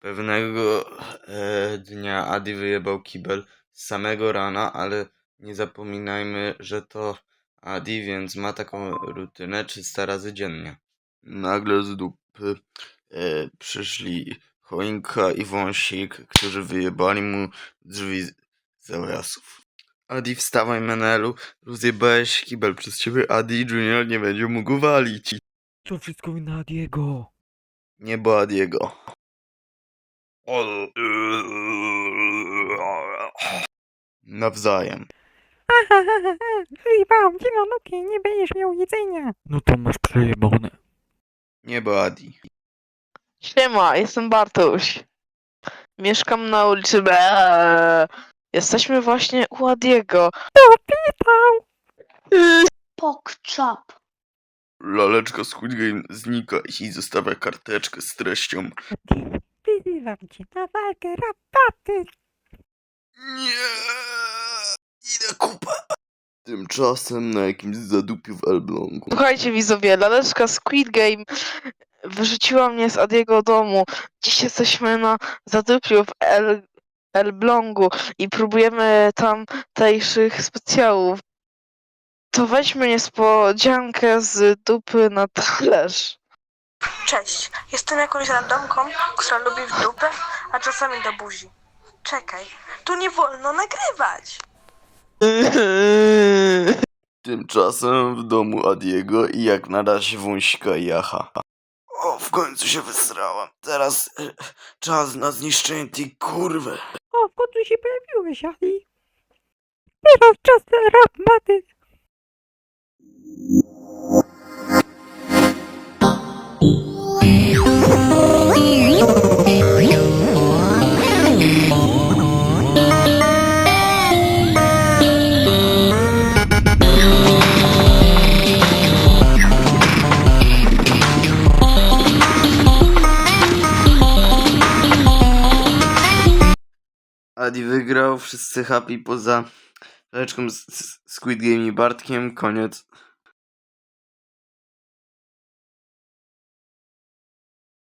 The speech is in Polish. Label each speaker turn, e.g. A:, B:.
A: Pewnego dnia Adi wyjebał kibel z samego rana, ale nie zapominajmy, że to Adi, więc ma taką rutynę 300 razy dziennie. Nagle z dupy przyszli choinka i wąsik, którzy wyjebali mu drzwi z załasów. Adi, wstawaj, Menelu, rozjebałeś kibel przez ciebie, Adi Junior nie będzie mógł walić.
B: To wszystko wina Adiego.
A: Nie, bo Adiego. Nawzajem.
B: Zjebałam ci na nogi, nie będziesz miał jedzenia. No to masz przejebane.
A: Nie, bo Adi.
C: Siema, jestem Bartuś. Mieszkam na ulicy B. Jesteśmy właśnie u Adiego.
D: Pokczap.
A: Laleczka Squid Game znika i zostawia karteczkę z treścią:
B: Wyzywam cię na walkę rabaty.
A: nie, idę kupę. Tymczasem na jakimś zadupiu w Elblągu.
C: Słuchajcie widzowie, laleczka Squid Game wyrzuciła mnie z Adiego domu. Dziś jesteśmy na zadupiu w Elblągu i próbujemy tamtejszych specjałów. To weźmy niespodziankę z dupy na talerz.
D: Cześć, jestem jakąś randomką, która lubi w dupę, a czasami do buzi. Czekaj, tu nie wolno nagrywać.
A: Tymczasem w domu Adiego i jak na razie wąsika i Jacha. O, w końcu się wysrałam. Teraz czas na zniszczenie tej kurwy.
B: O, w końcu się pojawiłeś, Ali. Teraz czas na rabaty.
A: Adi wygrał, wszyscy happy poza Leczką z Squid Game i Bartkiem, koniec.